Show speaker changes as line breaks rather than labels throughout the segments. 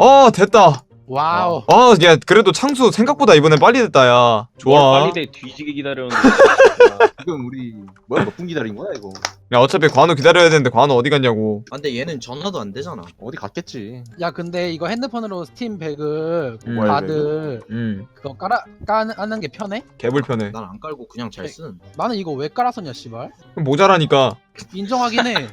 됐다.
와우.
야 그래도 창수 생각보다 이번엔 빨리 됐다. 야 좋아.
빨리 돼 뒤지게 기다렸는데.
지금 우리 뭐야 몇 분 기다린 거야 이거?
야 어차피 관우 기다려야 되는데 관우 어디 갔냐고.
아, 근데 얘는 전화도 안 되잖아.
어디 갔겠지.
야 근데 이거 핸드폰으로 스팀 배그
뭘
다들 그거 까는 게 편해?
개불편해.
난 안 깔고 그냥 잘 쓰는.
나는 이거 왜 깔았었냐 씨발.
모자라니까.
인정하긴 해.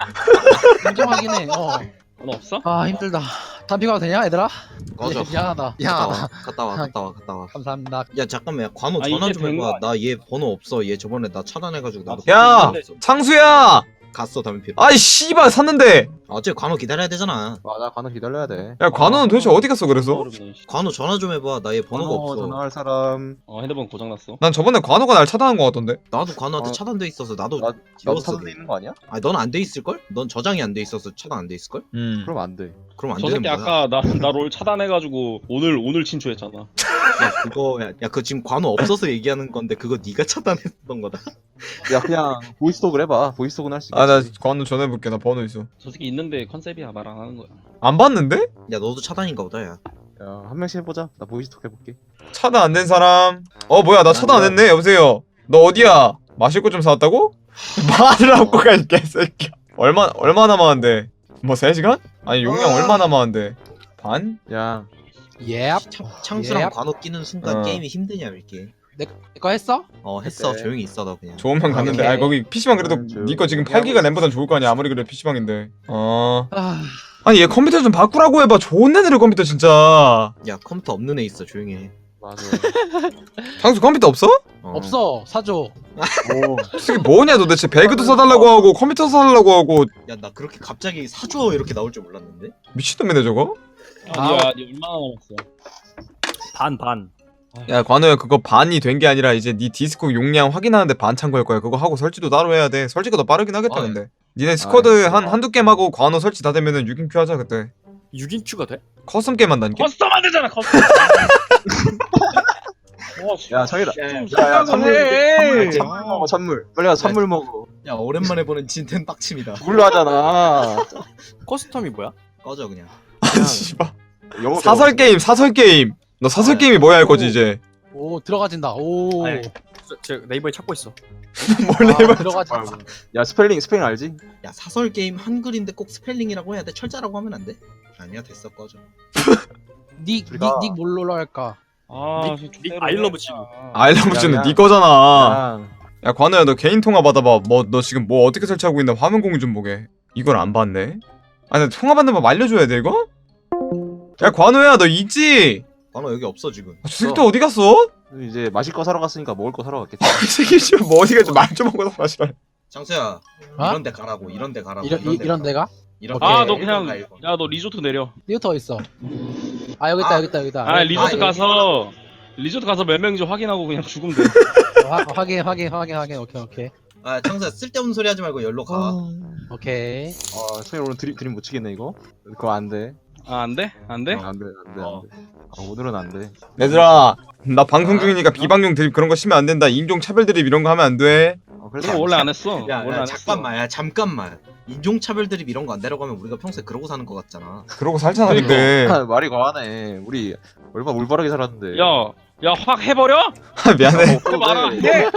인정하긴 해.
너 없어?
아 힘들다. 담비 가도 되냐 얘들아?
꺼져.
미안하다.
갔다 와.
감사합니다.
야 잠깐만, 야 관우
아,
전화
이제
좀
된
해봐.
거
나 얘 번호 없어. 얘 저번에 나 차단해가지고 나도.
야!
없어.
창수야.
갔어 담배 피러.
아이 씨발 샀는데.
어차피 관우 기다려야 되잖아.
맞아 관우 기다려야 돼.
야 관우는 도대체 어디 갔어 그래서?
어렵네, 씨.
관우 전화 좀 해봐. 나 얘 번호가
관우
없어.
전화할 사람.
핸드폰 고장났어.
난 저번에 관우가 날 차단한 거 같던데.
나도 관우한테
어.
차단돼 있어서 나도
나도
지웠어.
차단돼 있는 거 아니야?
아니 넌 안 돼 있을 걸? 넌 저장이 안 돼 있어서 차단 안 돼 있을 걸?
그럼 안 돼.
그럼 안
저
되는
새끼
거야.
아까 나 롤 차단해가지고 오늘 친추했잖아.
야 그거 야 그거 지금 관우 없어서 얘기하는 건데 그거 네가 차단했던 거다.
야 그냥 보이스톡을 해봐. 보이스톡은 할 수 있겠지.
아 나 관우 전화해볼게. 나 번호 있어.
저 새끼 있는데 컨셉이야 말 안 하는 거야.
안 봤는데?
야 너도 차단인가 보다 야.
야, 한 명씩 해보자. 나 보이스톡 해볼게.
차단 안 된 사람. 뭐야 나 차단 안 했네. 여보세요. 너 어디야? 마실 거 좀 사왔다고? 말을 하고 가 이 개새끼야. 얼마 남았는데? 뭐 3시간? 아니 용량 얼마 남았는데? 반?
야,
예.
창수랑
예.
관우 끼는 순간
어.
게임이 힘드냐 이렇게.
이거 했어?
했어.
그래.
조용히 있어 너 그냥.
좋으면 갔는데.
오케이.
아 거기 PC방 그래도 니 거 지금 8기가 램보단 좋을 거 아니야. 아무리 그래도 PC방인데.
아
아니 얘 컴퓨터 좀 바꾸라고 해봐. 좋은 애들의 컴퓨터 진짜.
야 컴퓨터 없는 애 있어. 조용히 해.
맞아.
장수 컴퓨터 없어?
없어 사줘.
오,
이게 뭐냐 도대체. 배그도 사달라고 하고 컴퓨터 사달라고 하고.
야 나 그렇게 갑자기 사줘 이렇게 나올 줄 몰랐는데.
미친놈이네 저거.
아니야, 니 얼마나 남았어? 반.
야 관우야 그거 반이 된 게 아니라 이제 네 디스코 용량 확인하는데 반 참고할 거야. 그거 하고 설치도 따로 해야 돼. 설치가 더 빠르긴 하겠다
아,
근데. 니네 스쿼드 한두 게임 하고 관우 설치 다 되면은 6인큐 하자 그때.
6인큐가 돼?
커스텀 게임 한다니까?
커스텀 안 되잖아 커스텀. 와,
야 저기다.
좀
야,
생각을 해.
선물 먹어 선물. 빨리 가 선물 먹어.
야 오랜만에 보는 진텐 빡침이다.
물로 하잖아.
커스텀이 뭐야?
꺼져 그냥.
아니 씨발.
영어
사설 게임. 너 사설 게임이 뭐야 할 거지 이제.
오 들어가진다. 오.
아니, 제 네이버에 찾고 있어.
뭘 해봐.
들어가진다.
야 스펠링 알지?
야 사설 게임 한글인데 꼭 스펠링이라고 해야 돼? 철자라고 하면 안 돼? 아니야 됐어 꺼져.
닉 뭘로 할까?
닉
아이러브 치고.
아일러브즈는
야,
네 거잖아.
야,
야 관우야 너 개인 통화 받아봐. 너 지금 뭐 어떻게 설치하고 있나 화면 공유 좀 보게. 이걸 안 봤네. 아니 나 통화 받는 법 알려줘야 돼 이거? 야 관우야 너 있지?
관우 여기 없어 지금.
아, 저 새끼 또 어디 갔어?
이제 마실 거 사러 갔으니까 먹을 거 사러 갔겠지.
이 새끼 지금 뭐 어디 갔지? 말 좀 하고 마시라.
장수야
어?
이런 데 가라고. 이런 데 가라고.
이런 데가?
이런
오케이.
너
데
그냥
가, 이거.
야 너 리조트 내려.
리오터 있어. 아 여기 있다 여기 있다.
리조트
여기
가서 리조트 가서 몇 명인지 확인하고 그냥 죽으면 돼.
확인. 오케이.
아 장수야 쓸데없는 소리 하지 말고 열로 가.
오케이.
소희 오늘 드림 못 치겠네 이거. 그거 안 돼.
안 돼? 안 돼?
안 돼. 오늘은 안 돼.
얘들아 나 방송 중이니까 비방용 드립 그런 거 치면 안 된다. 인종 차별 드립 이런 거 하면 안 돼.
그거 원래 안 했어.
야,
원래
야
안
잠깐만. 인종차별 드립 이런 거 안 내려가면 우리가 평소에 그러고 사는 거 같잖아.
그러고 살잖아
그러니까.
근데.
말이 과하네. 우리 얼마 올바르게 살았는데.
했어. 야 확 해버려?
미안해.
해봐라. 해.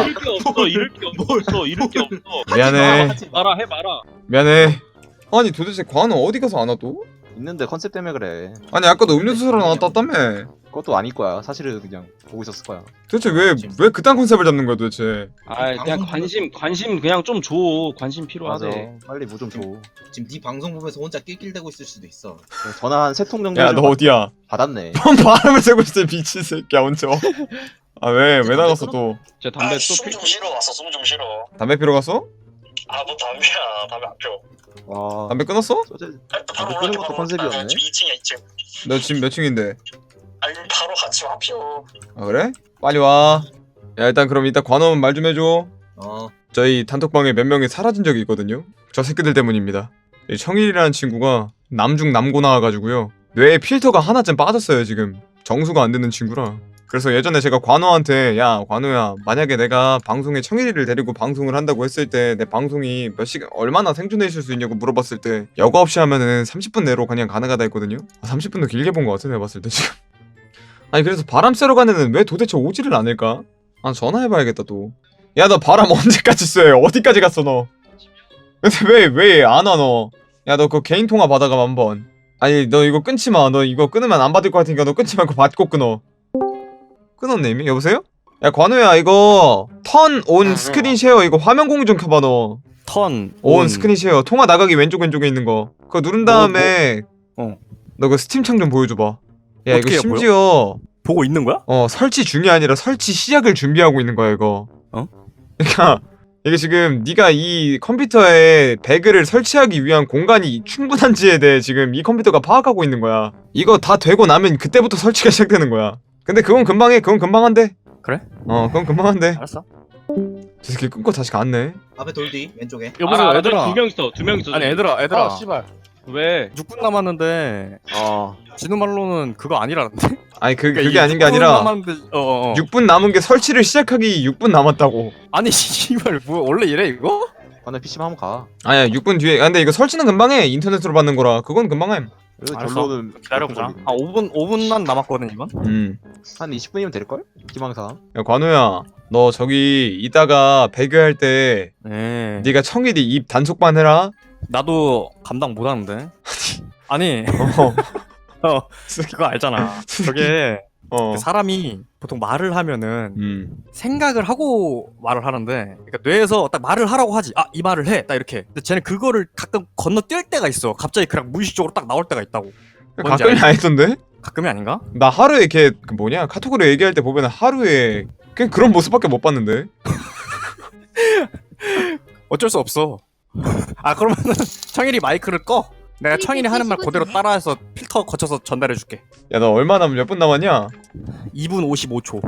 이럴 게 없어. 이럴 게 없어.
미안해.
말아 해봐라.
미안해. 아니 도대체 관우 어디 가서 안 와 또?
있는데 컨셉 때문에 그래.
아니 아까도 음료수 사러 나왔다며.
그것도 아닐 거야. 사실은 그냥 보고 있었을 거야.
도대체 왜 그딴 컨셉을 잡는 거야 도대체?
그냥 관심 그냥 좀 줘. 관심
맞아.
필요하대.
빨리 뭐 좀 줘.
지금 네 방송 보면서 혼자 낄낄대고 있을 수도 있어.
전화 한 3통 정도
야 너 어디야?
받았네.
뭔 바람을 쐬고 있어 미친 새끼야 언제 와? 아 왜 나갔어 또?
제 담배 또
숨 좀 쉬러 왔어. 숨 좀 쉬러.
담배 피러 갔어?
아 뭐 담배야. 담배 안 피워.
와.
담배 끊었어?
소재.
아니, 또 바로
아,
올라가.
끊는 것도 컨셉이었네.
지금 2층이야 2층.
너 지금 몇 층인데?
아니 바로 같이 와 피워.
아 그래? 빨리 와. 야 일단 그럼 이따 관원 말 좀 해줘. 저희 단톡방에 몇 명이 사라진 적이 있거든요. 저 새끼들 때문입니다. 이 청일이라는 친구가 남중 남고 나와가지고요. 뇌에 필터가 하나쯤 빠졌어요 지금. 정수가 안 되는 친구라. 그래서 예전에 제가 관우한테 야 관우야 만약에 내가 방송에 청일이를 데리고 방송을 한다고 했을 때 내 방송이 몇 시간 얼마나 생존해 있을 수 있냐고 물어봤을 때 여과 없이 하면은 30분 내로 그냥 가능하다 했거든요. 30분도 길게 본 것 같아 내가 봤을 때 지금. 아니 그래서 바람 쐬러 간 애는 왜 도대체 오지를 않을까? 아 전화해봐야겠다 또. 야 너 바람 언제까지 쐬? 어디까지 갔어 너? 근데 왜 안 와 너? 야 너 그 개인 통화 받아가 한번. 아니 너 이거 끊지 마. 너 이거 끊으면 안 받을 것 같으니까 너 끊지 말고 받고 끊어. 끊었네 이미? 여보세요? 야 관우야 이거 턴 온 스크린 쉐어 이거 화면 공유 좀 켜봐 너.
턴,
온 스크린 쉐어 통화 나가기 왼쪽에 있는 거 그거 누른 다음에 너 그 스팀 창 좀 보여줘봐. 야 이거
어떻게 해요,
심지어
보고 있는 거야?
설치 중이 아니라 설치 시작을 준비하고 있는 거야 이거.
어?
그러니까 이게 지금 네가 이 컴퓨터에 배그를 설치하기 위한 공간이 충분한지에 대해 지금 이 컴퓨터가 파악하고 있는 거야. 이거 다 되고 나면 그때부터 설치가 시작되는 거야. 근데 그건 금방 해. 그건 금방 한대.
그래?
그건 금방 한대.
알았어.
저 새끼 끊고 다시 갔네.
앞에 돌디 왼쪽에.
여보세요, 얘들아.
두명 있어. 두 명 있어.
아니 얘들아.
씨발.
왜?
6분 남았는데 진우 말로는 그거 아니라는데?
아니 그게
그러니까
아닌 게
6분
아니라
남았는데,
6분 남은 게 설치를 시작하기 6분 남았다고.
아니 씨발 뭐 원래 이래 이거?
관우 PC방 한번 가.
아니야 6분 뒤에. 근데 이거 설치는 금방 해. 인터넷으로 받는 거라. 그건 금방 해.
그래서
알았어.
결론은
기다려보자. 5분만 남았거든 이건.
한 20분이면 될걸? 희망사항.
야 관우야 너 저기 이따가 배그할 때
네.
네가 청일이 입 단속반 해라.
나도 감당 못하는데. 아니
어.
그거 알잖아. 저게
어.
그 사람이 보통 말을 하면은 생각을 하고 말을 하는데, 그러니까 뇌에서 딱 말을 하라고 하지. 아, 이 말을 해. 딱 이렇게. 근데 쟤는 그거를 가끔 건너뛸 때가 있어. 갑자기 그냥 무의식적으로 딱 나올 때가 있다고. 뭔지
가끔이
알지?
아니던데?
가끔이 아닌가?
나 하루에 걔 그 뭐냐 카톡으로 얘기할 때 보면 하루에 그냥 그런 모습밖에 못 봤는데.
어쩔 수 없어. 아, 그러면은 청일이 마이크를 꺼. 내가 청일이 하는 말 그대로 따라해서 필터 거쳐서 전달해줄게.
야 너 얼마 몇 분 남았냐?
2분 55초.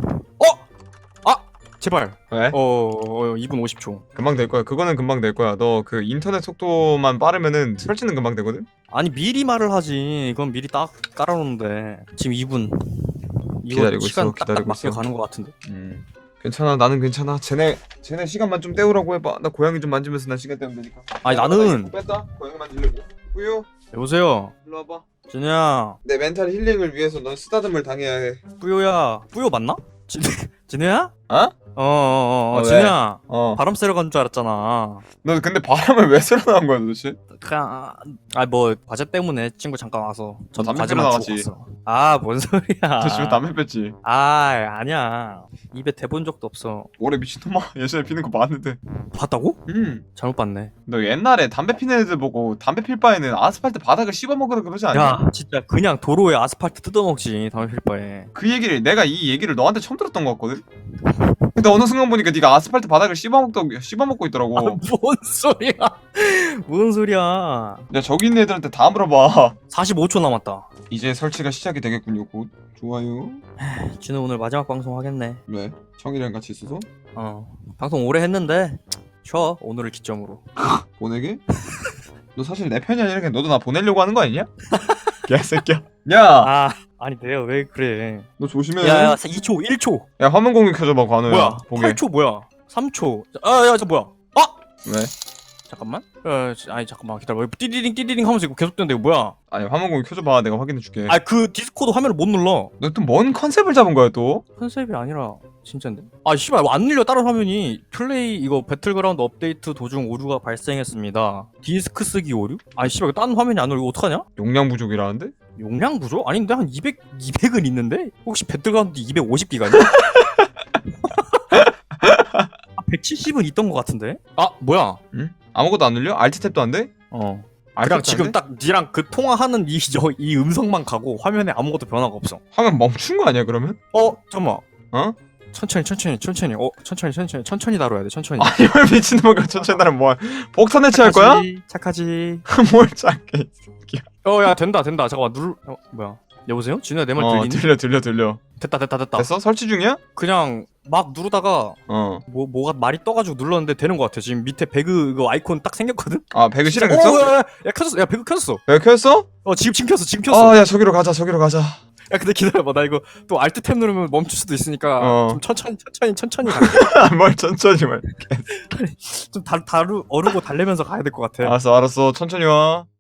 제발.
왜?
2분 50초.
금방 될 거야. 그거는 금방 될 거야. 너 그 인터넷 속도만 빠르면은 설치는 금방 되거든.
아니 미리 말을 하지. 이건 미리 딱 깔아놓는데 지금 2분. 이거
기다리고
시간
있어,
딱딱
기다리고
맞게
있어.
가는 것 같은데.
괜찮아. 나는 괜찮아. 쟤네 시간만 좀 때우라고 해봐. 나 고양이 좀 만지면서 난 시간 때우면 되니까.
아니
야, 나
나는
이거 뺐다. 고양이 만지려고. 뿌요.
여보세요.
일로 와봐.
진우야.
내 멘탈 힐링을 위해서 넌 쓰다듬을 당해야 해.
뿌요야. 뿌요 맞나? 진우야?
어? 왜?
진우야.
어.
바람 쐬러 간 줄 알았잖아.
너 근데 바람을 왜 쐬러 나온 거야 도대체?
그냥 뭐 과제 때문에 친구 잠깐 와서 전
담배
과제만
피러
주고
나가지.
갔어. 아, 뭔 소리야.
너 집에 담배 뺐지?
아니야. 입에 대본 적도 없어.
올해 미친놈아. 예전에 피는 거 봤는데.
봤다고? 잘못 봤네.
너 옛날에 담배 피는 애들 보고 담배 필 바에는 아스팔트 바닥을 씹어 먹으라 그러지 않냐?
야, 진짜 그냥 도로에 아스팔트 뜯어먹지 담배 필 바에.
그 얘기를 내가 이 얘기를 너한테 처음 들었던 것 같거든. 근데 어느 순간 보니까 네가 아스팔트 바닥을 씹어 먹고 있더라고.
뭔 소리야? 뭔 소리야?
야 저기 있는 애들한테 다 물어봐.
45초 남았다.
이제 설치가 시작이 되겠군요. 곧. 좋아요.
진우 오늘 마지막 방송 하겠네.
왜? 청이랑 같이 있어서?
방송 오래 했는데 쉬어 오늘을 기점으로.
보내게? 너 사실 내 편이 아니라 그냥 너도 나 보내려고 하는 거 아니냐? 개새끼야. 야!
아니 내가 왜 그래?
너 조심해.
야야 2초 1초.
야 화면 공유 켜줘봐 관우야.
뭐야?
보게.
8초 뭐야? 3초. 저 뭐야?
왜?
잠깐만. 아니 잠깐만 기다려. 띠리링 하면서 이거 계속 되는데 이거 뭐야?
아니 화면 공유 켜줘봐. 내가 확인해줄게.
그 디스코드 화면을 못 눌러.
너 또 뭔 컨셉을 잡은 거야 또?
컨셉이 아니라 진짜인데? 씨발 안 눌려 다른 화면이. 플레이 이거 배틀그라운드 업데이트 도중 오류가 발생했습니다. 디스크 쓰기 오류? 씨발 이거 다른 화면이 안 눌려. 이거 어떡하냐?
용량 부족이라는데?
용량 부족? 아닌데 한 200은 있는데? 혹시 배틀그라운드 250기가냐? 170은 있던 것 같은데? 뭐야?
응? 아무것도 안 눌려? 알트 탭도 안 돼?
그냥 지금 딱 니랑 그 통화하는 이 음성만 가고 화면에 아무것도 변화가 없어.
화면 멈춘 거 아니야 그러면?
잠깐만. 천천히 천천히 다뤄야 돼. 천천히.
아니 왜 미친놈아 천천히 나를 뭐야 폭탄 해체할 거야?
착하지.
뭘 작게.
야 된다. 잠깐만 뭐야? 여보세요? 진우야 내 말 들리니?
들려.
됐다.
됐어? 설치 중이야?
그냥 막 누르다가 뭐가 말이 떠가지고 눌렀는데 되는 것 같아. 지금 밑에 배그 이거 아이콘 딱 생겼거든?
배그 실행됐어?
야 켜졌어. 야 배그 켜졌어.
배그 켰어?
지금 켰어.
야 저기로 가자.
야 근데 기다려봐 나 이거 또 알트 탭 누르면 멈출 수도 있으니까
어.
좀 천천히 갈게.
뭘 천천히 말.
좀 어르고 달래면서 가야 될 것 같아.
알았어, 알았어. 천천히 와.